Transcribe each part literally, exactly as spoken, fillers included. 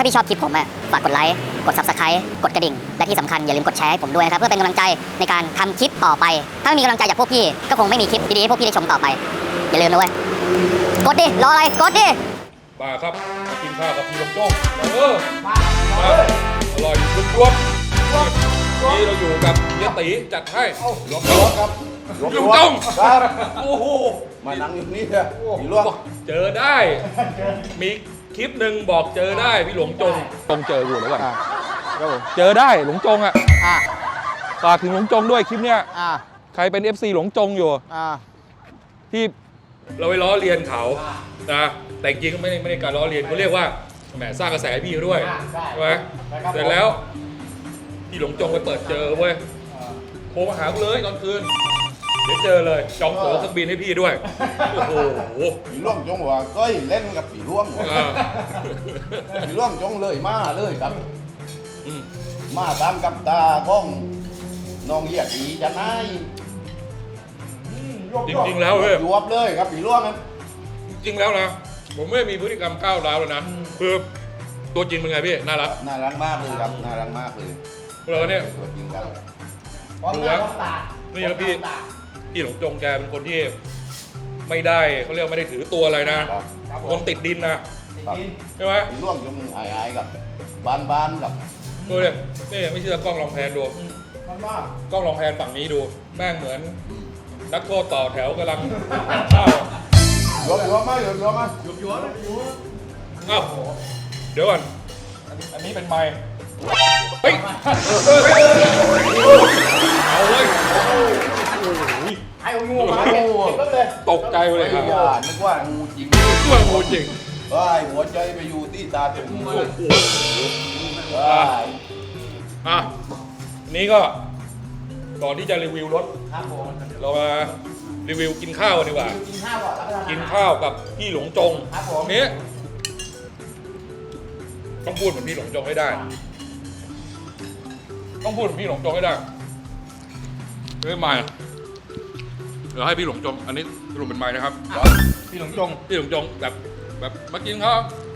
าพี่ชอบคลิปผมอะฝากกดไลค์กด ซับสไครบ์ กดกระดิ่งและที่สำคัญอย่าลืมกดแชร์ให้ผมด้วยนะครับเพื่อเป็นกำลังใจในการทำคลิปต่อไปถ้าไม่มีกำลังใจจากพวกพี่ก็คงไม่มีคลิปดีๆให้พวกพี่ได้ชมต่อไปอย่าลืมนะเว้ยกดดิรออะไรกดดิมาครับมากินข้าวกับพี่ลงจ้องเออมาอร่อยจุ๊บจุ๊บนี่เราอยู่กับเฮียตีจัดให้หลวงจ้องครับหลวงจ้องครับโอ้โหมานั่งอยู่นี่เนี่ยพี่หลวงเจอได้มีคลิปหนึ่งบอกเจอได้พี่หลวงจงจงเจอกูแล้วก่อนเจอได้หลวงจงอ่ะฝากถึงหลวงจงด้วยคลิปเนี้ยใครเป็น เอฟ ซี หลวงจงอยู่ที่เราไปล้อเลียนเขานะแต่จริงก็ไม่ได้ไม่ได้การล้อเลียนเขาเรียกว่าแหมสร้างกระแสพี่เขาด้วยใช่ไหมเสร็จแล้วพี่หลวงจงไปเปิดเจอเว้ยโทรมาหากูเลยตอนคืนเดี๋ยวเจอเลยจองตั๋วเครื่องบินให้พี่ด้วยโอ้โหพี่หลวงจงว่าก็เล่นกับพี่หลวงพี่หลวงจงเลยมาเลยครับมาตามกับตาก้องน้องเหี้ยดีจะนายจริงๆแล้วเว้ยยวบเลยครับพี่หลวงนั้นจริงแล้วนะผมไม่มีพฤติกรรมก้าวร้าวเลยนะคือตัวจริงเป็นไงพี่น่ารักน่ารักมากเลยครับน่ารักมากเลยเราเนี่ยตัวจริงครับดูแล้วนี่ครับพี่พี่หลวงจงแกเป็นคนที่ไม่ได้เขาเรียกไม่ได้ถือตัวอะไรนะคนติดดินนะใช่ไหมพี่หลวงจงอายๆกับบ้านๆกับดูเลยนี่ไม่เชื่อกล้องลองแพนดูกล้องลองแพนฝั่งนี้ดูแม่งเหมือนนักโทษต่อแถวกำลังเข้ายัวยัวมายัวยัวมายัวยัวอ้าวเดี๋ยวก่อนอันนี้เป็นไม้เฮ้ยเอาเลยไอ้งูมาเก็บเลยตกใจเลยครับนึกว่างูจริงนึกว่างูจริงว้ายหัวใจไปอยู่ที่ตาจมูกว้ายอ่ะนี้ก็ก่อนที่จะรีวิวรถเรามารีวิวกินข้าวกันดีกว่ากินข้าวก่อนกินข้าวกับพี่หลวงจงนี้ต้องพูดเหมือนพี่หลวงจงให้ได้ต้องพูดเหมือนพี่หลวงจงให้ได้ไม่ไม่เดี๋ยวให้พี่หลวงจงอันนี้สรุปเป็นไม้นะครับพี่หลวงจงพี่หลวงจงแบบแบบมากินข้าว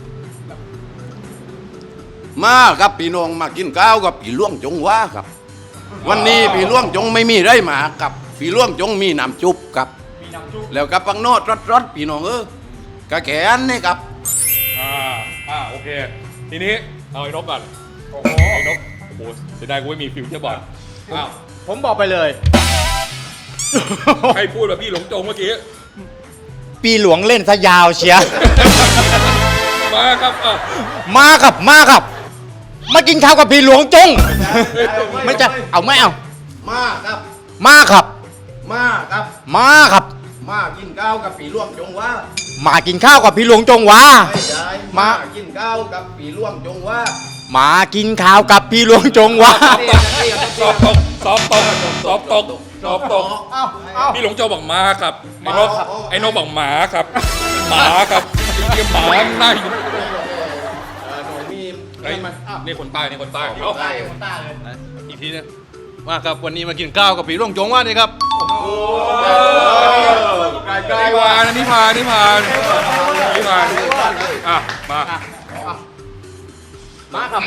มาครับพี่น้องมากินข้าวกับพี่หลวงจงว่าครับวันนี้พี่หลวงจงไม่มีไรมากับพี่หลวงจงมีน้ำจุบกับแล้วกับปังโนดรสๆพี่น้องเออกระแขนนี่ครับอ่าอ่าโอเคทีนี้เอาไอ้นกก่อนโอ้โหไอ้นกโอ้โหเสียดายกูไม่มีฟิวเจอร์บอร์ดอ้าวผมบอกไปเลยใครพูดแบบพี่หลวงจงเมื่อกี้ปีหลวงเล่นซะยาวเชียมาครับอ่ะมาครับมาครับมากินข้าวกับพี่หลวงจงไม่จะเอาไม่เอามาครับมาครับมาครับมาครับมากินข้าวกับพี่หลวงจงว่ามากินข้าวกับพี่หลวงจงว่ามากินข้าวกับพี่หลวงจงว่ามากินข้าวกับพี่หลวงจงว่าสอบตกสอบตกสอบตกสอบตกพี่หลวงจงบอกมาครับไอ้นกไอ้นกบอกหมาครับหมาครับจริงๆหมาหน้าอยู่นี่คนใต้นี่คนใต้คนใต้คนใต้เลยอีกทีนึงมาครับวันนี้มากินข้าวกับพี่หลวงจงว่านี่ครับโอ้ไกลๆว่านิพานนิพานนิพานอ่ะมามาครับ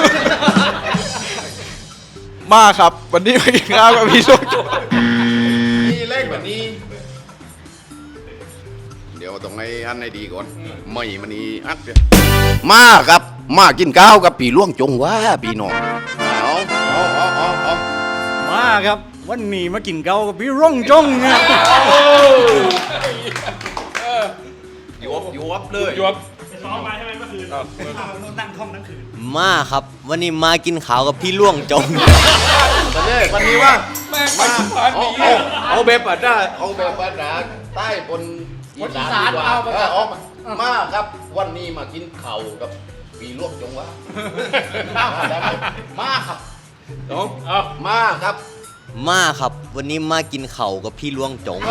มาครับวันนี้มากินข้าวกับพี่หลวงจงนี่เล่นแบบนี้เดี๋ยวต้องให้อันให้ดีก่อนไม่มันนี่อัดมาครับมากินข้าวกับพี่หลวงจงว่าพี่น้องเอาเอาเอาเอาเอามาครับวันนี้มากินข้าวกับพี่หลวงจงเนี่ยยวบยวบเลยยวบไปซ้อมมาใช่ไหมเมื่อคืนนั่งท่องทั้งคืนมาครับวันนี้มากินข้าวกับพี่หลวงจงวันนี้วันนี้ว่าแม่งมาชิมานดีเอาแบบปัดได้เอาแบบปัดได้ใต้บนอีสานเอาไปเอามาครับวันนี้มากินข้าวกับพี่หลวงจงว่ามาครับน้องมาครับมาครับวันนี้มากินข้าวกับพี่หลวงจง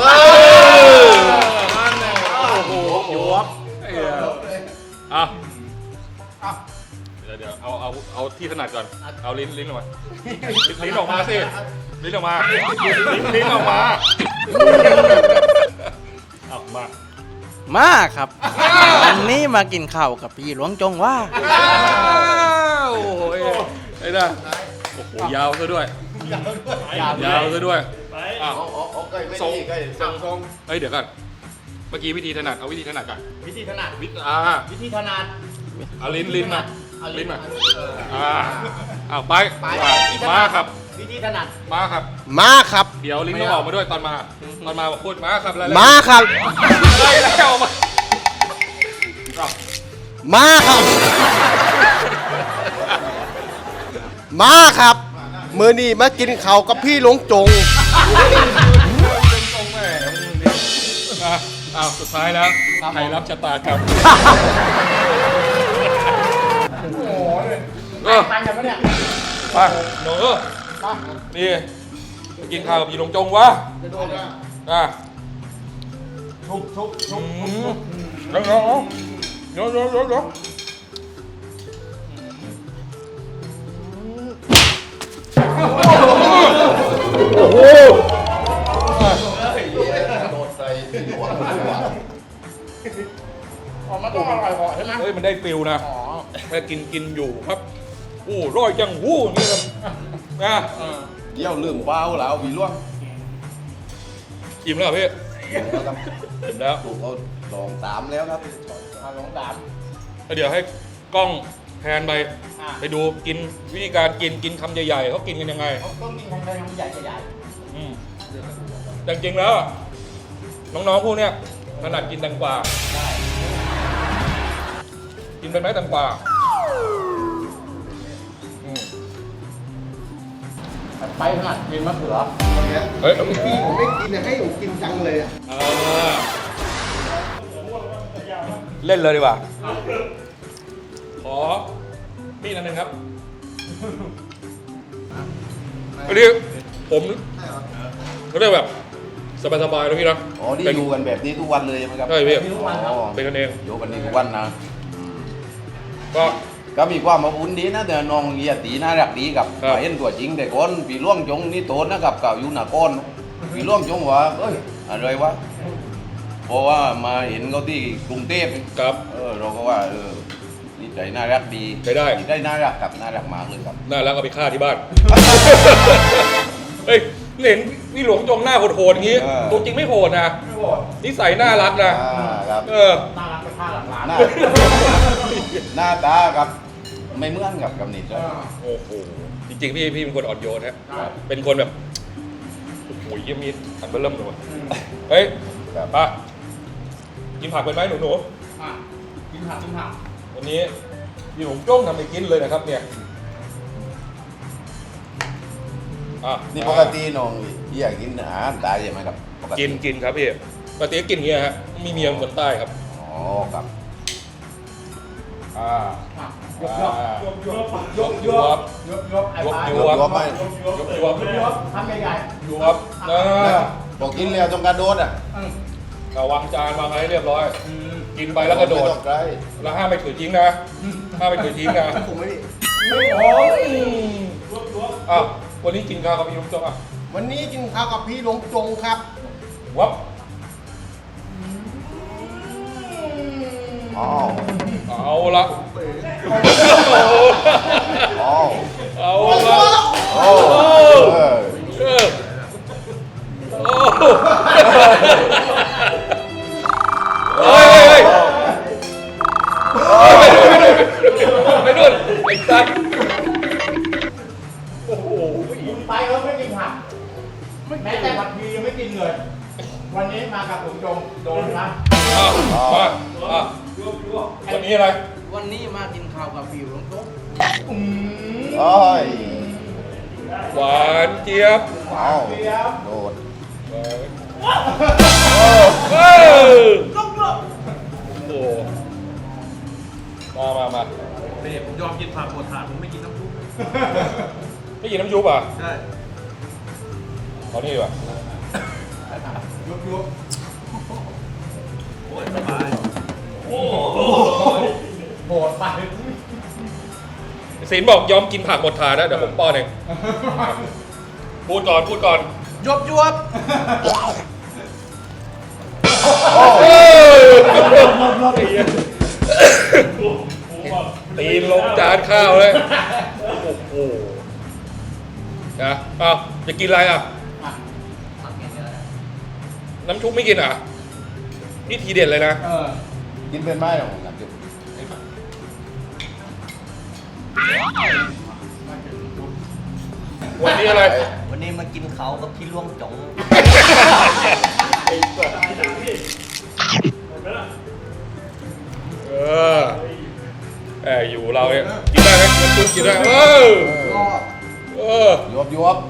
โอ้โหยวบอ่ะเดี๋ยวเดี๋ยวเอาเอาเอาที่ถนัดก่อนเอาลิ้นลิ้นออกมาลิ้นออกมาสิลิ้นออกมาลิ้นออกมาเอามามาครับวันนี้มากินข้าวกับพี่หลวงจงว่าอ้าวโอ้โหไอ้น่ะโอ้โหยาวซะด้วยยาวซะด้วยอ้าวทรงทรงทรงเฮ้ยเดี๋ยวก่อนเมื่อกี้วิธีถนัดเอาวิธีถนัดก่อนวิธีถนัดวิธีอ่าวิธีถนัดเอาลิ้นลิ้นมาเอาลิ้ลิ้นนมามาอ่าอ้าวไปไปมาครับวิธีถนัดมาครับมาครับเดี๋ยวลิ้นต้องออกมาด้วยตอนมาตอนมาบอกพูดมาครับอะไรมาครับอะไรแล้วมาอ้าวมาครับ มาครับมือนี้มากินข้าวกับพี่หลวงจงตรงๆแม่อ่ะอ้าวสุดท้ายแล้วใครรับชะตากรรมเออไปกันปะเนี่ยไปหนูนี่ไปกินข้าวกับพี่หลวงจงวะอ่ะทุบทุบทุบอืมเดี๋ยวเดี๋ยวเดี๋ยวเดี๋ยวเดี๋ยวโอ้โหมันต้องอร่อยพอใช่ไหมเฮ้ยมันได้ฟิลนะแค่กินกินอยู่ครับโอ้ร้อยจังหู้นี่ครับนะเดี๋ยวลืมเป้าแล้วพี่ล่วงอิ่มแล้วเหรอพี่อิ่มแล้วถูกเอาสองสามแล้วครับสองสามแล้วเดี๋ยวให้กล้องแพนไปไปดูกินวิธีการกินกินคำใหญ่ๆเขากินกันยังไงต้องกินทางใดทางใหญ่ใหญ่อืมแต่จริงๆแล้วอะน้องๆพวกเนี้ยถนัดกินแตงกวากินเป็นไหมแตงกวาอืมไปถนัดกินมะเขือเฮ้ยพี่ผมไม่กินให้ผมกินจังเลยเอาเล่นเลยดีกว่า ขอมีดอันหนึ่งครับอันนี้ผมเขาเรียกแบบสบายๆนะพี่นะอ๋อนี่เป็นอยู่กันแบบนี้ทุกวันเลยใช่ไหมครับใช่พี่อ๋อเป็นกันเองอยู่กันนี้ทุกวันนะก็ก็มีความอบอุ่นดีนะแต่น้องเฮียตีน่ารักดีกับครับเห็นตัวจริงแต่ก่อนพี่ล่วงจงนี่โตนะครับกับอยู่หน้าก้อนพี่ล่วงจงว่าเอ้ยอะไรวะเพราะว่ามาเห็นเขาที่กรุงเทพครับเออเราก็ว่าเออนี่ใจน่ารักดีใช้ได้ได้น่ารักกับน่ารักมากเลยครับน่ารักเอาไปฆ่าที่บ้าน เฮ้ยเห็นพี่หลวงจงหน้าโหดๆอย่างนี้เออตัวจริงไม่โหดนะนิสัยน่ารักนะอ่าครับเออน่ารักไปฆ่าหลังร้านหน้าหน้าตากับไม่เหมือนกับกับนิดเลยโอ้โห จริงๆ พี่พี่เป็นคนอ่อนโยนฮะ เป็นคนแบบ โอ้โหเยี่ยมมีดอันเบอร์เริ่มเลยว่ะเฮ้ยครับไปกินผักเป็นไหมหนูหนูกินผักกินผักๆวันนี้พี่หลวงจ้งทำไปกินเลยนะครับเนี่ยอ่ะนี่ปกติน้องพี่อยากกินอาหารตายใช่ไหมครับปติกินกินครับพี่ปกติก็กินอย่างเงี้ยฮะมีเมียเป็นคนใต้ครับอ๋อครับอ่ายกยกยกยกยกยวบยกยกไอ้ยกปลายวรวบมไหมยกยวบยกทำใหญ่ยวบนะบอกกินแล้วต้องกระโดดอ่ะเอาวางจานวางอะไรให้เรียบร้อย กินไปแล้วกระโดดไม่ต้องไกลแล้วห้ามไปถือทิ้งนะห้ามไปถือทิ้งนะๆผมไม่ได้โอ้ยอ้าววันนี้กินข้าวกับพี่ลุงจงอ่ะวันนี้กินข้าวกับพี่หลวงจงครับวับอ๋อเอาละอ๋อเอาละโอ้เออเออโอ้เฮ้ยเฮ้ยไปนู่นไอ้สัตว์โอ้โหไปแล้วไม่กินผักแม้แต่ผัดทียังไม่กินเลย วันนี้มากับหลวงจงโดนนะอ่ะมาอ่ะวันนี้อะไรวันนี้มากินข้าวกับพี่หลวงจงโอ้ยหวานเจี๊ยบว้าวโดดเออเออโอ้โหมามามานี่ผมยอมกินผักหมดถาดผมไม่กินน้ำซุปไม่กินน้ำยุบอ่ะใช่เอานี่ดีกว่ายุบยุบโอ้ยสบายโหดไปศิลป์บอกยอมกินผักหมดถาดนะเดี๋ยวผมป้อนเองพูดก่อนพูดก่อนยวบยวบเออเอานข้าวเลยโอ้โหนะอ้าวจะกินอะไรอ่ะน้ำชุบไม่กินอ่ะนี่ทีเด็ดเลยนะเออกินเป็นไหมของน้ำจุ๊บวันนี้อะไรวันนี้มากินเขากับพี่ล่วงจงเออแอบอยู่เราเนี่ยกินได้ไหมน้ำซุปกินได้เออเออยวบยวบ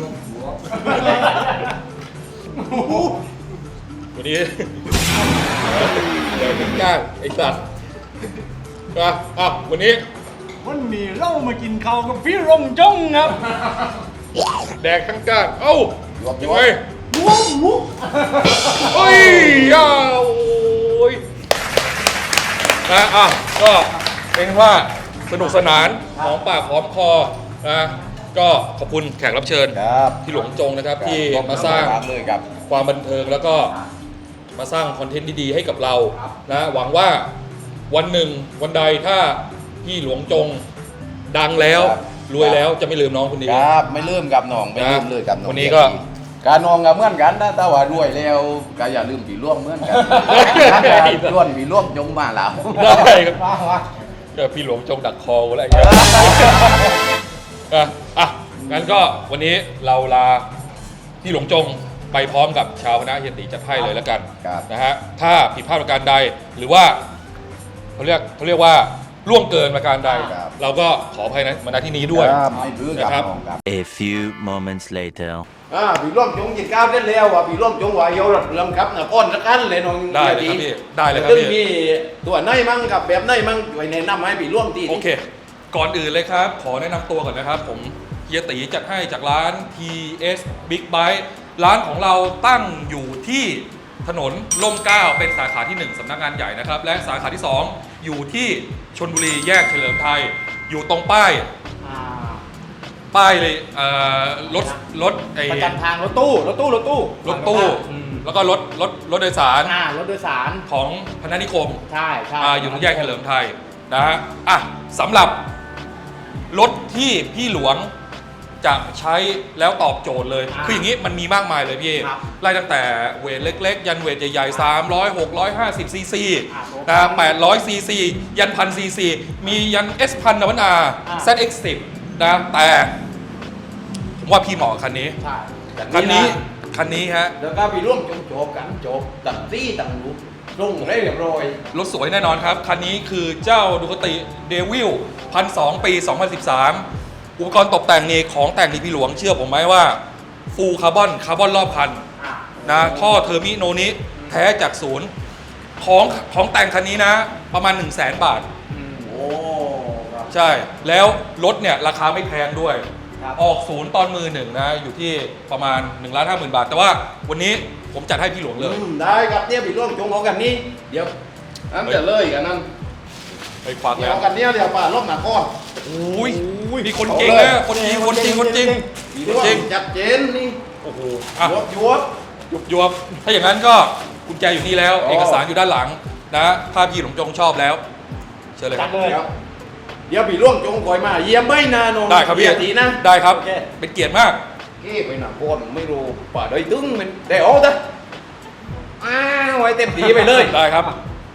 วันนี้เดี๋ยวถึงก้างไอ้สัตว์อ่ะอ่ะวันนี้วันนี้เรามากินข้าวกับพี่รงจ้องครับแดกทั้งก้างเอ้ายวบยัยวงบไงวุ้บวุ้บโอ้ยยาวโอ้ยนะอ่ะก็เป็นว่าสนุกสนานหอมปากหอมคอนะก็ขอบคุณแขกรับเชิญครับพี่หลวงจงนะครับที่มาสร้างเลยครับความบันเทิงแล้วก็มาสร้างคอนเทนต์ดีๆให้กับเรานะหวังว่าวันหนึ่งวันใดถ้าพี่หลวงจงดังแล้วครับรวยแล้วจะไม่ลืมน้องคนนี้ครับไม่ลืมกับน้องไม่ลืมนะเลยกับน้องวันนี้ก็การนองกับเหมือนกันนะแต่ว่ารวยแล้วก็อย่าลืมผีร่วงเหมือนกันล้วนผีร่วงจงมาแล้วได้ครับเดี๋ยวพี่หลวงจงดักคอกูแล้วไอ้เงี้ยอ่ะอ่ะงั้นก็วันนี้เราลาพี่หลวงจงไปพร้อมกับชาวคณะเฮียตีจัดให้เลยแล้วกันครับนะฮะถ้าผิดพลาดประการใดหรือว่าเขาเรียกเขาเรียกว่าล่วงเกินประการใดครับเราก็ขออภัยนะมาณที่นี้ด้วยครับไม่ลืมกับนะครับน้องครับ A few moments later อ่าพี่ร่วมจงกินข้าวได้แล้วว่ะพี่ร่วมจงว่าเยาวรัดเรืองครับนะก้อนสักกันเลยน้องได้เลยครับพี่ได้เลยครับซึ่งพี่มีตัวไหนมั่งกับแบบไหนมั่งช่วยแนะนำให้พี่ร่วมทีโอเค ก่อนอื่นเลยครับ ขอแนะนำตัวก่อนนะครับ ผมเฮียตีจัดให้จากร้าน ที เอส Big Bite ร้านของเราตั้งอยู่ที่ถนนร่มเกล้าเป็นสาขาที่หนึ่งสำนักงานใหญ่นะครับ และสาขาที่สองอยู่ที่ชลบุรีแยกเฉลิมไทย อยู่ตรงป้าย ป้ายเลยเอ่อรถรถไอ้ประจำทางรถตู้รถตู้รถตู้รถตู้อืมแล้วก็รถรถรถโดยสารอ่ารถโดยสารของพนัสนิคมใช่ใช่อ่าอยู่ตรงแยกเฉลิมไทยนะฮะอ่ะสำหรับรถที่พี่หลวงจะใช้แล้วตอบโจทย์เลย คืออย่างนี้มันมีมากมายเลยพี่ครับไล่ตั้งแต่เวทเล็กๆ ยันเวทใหญ่ๆสามร้อย หกร้อยห้าสิบซีซีอ่ะนะแปดร้อยซีซียันพันซีซีมียัน S พันนวันอาอ่ะแซด เอ็กซ์ สิบนะแต่ผมว่าพี่เหมาะกับคันนี้ใช่คันนี้คันนี้ฮะแล้วก็พี่ร่วมจงโจบกันโจบตัดซี่ตัดรูปลงได้เรียบร้อยรถสวยแน่นอนครับ คันนี้คือเจ้าดูคติเดวิลพันสองปี สองพันสิบสาม อุปกรณ์ตกแต่งนี่ของแต่งนี่พี่หลวงเชื่อผมไหมว่าฟูลคาร์บอนคาร์บอนรอบคันอ่ะนะท่อเทอร์มิโนนี้แท้จากศูนย์ของของแต่งคันนี้นะ ประมาณ 1 0 0 0 0แสนบาทโอ้ครับใช่ แล้วรถเนี่ยราคาไม่แพงด้วยครับออกศูนย์ตอนมือหนึ่งนะ อยู่ที่ประมาณ1นึ่งล้านห้าหมื่นบาท แต่ว่าวันนี้ผมจัดให้พี่หลวงเลยอืมได้ครับเนี่ยพี่ร่วมจงเอากันนี้เดี๋ยวอันจะเลยกันนั่นไปควักเดี๋แล้ยววเอากันเนี้ยเดี๋ยวป่าลบหนาก้อนโอ้ยมีคนจริงนะคนจริงคนจริงคนจริงพี่คร่นวมจริงจัดเจนนี่โอ้โหอ่ะยวบยวบยุบยวบถ้าอย่างนั้นก็กุญแจอยู่นี่แล้วอ๋อเอกสารอยู่ด้านหลังนะถ้าพี่หลวงจงชอบแล้ว เชิญเลยคจัรัดบเลยเดี๋ยวเดี๋ยวพี่ร่วมจงคอยมาเยี่ยมไม่นานนได้ครับพี่ทีนะได้ครับโอเคเป็นเกียรติมากเก้ไปหนาก้อนไม่รู้ป่าได้ตึ้งมันได้โอ้ตะอ้าวไว้เต็มทีไปเลยได้ครับ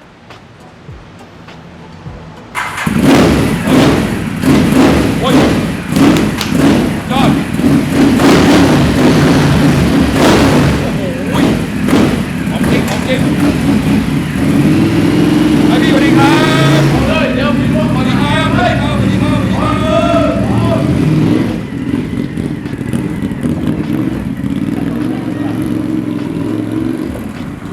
โอ้ยยอดโอ้โหของจริงของจริง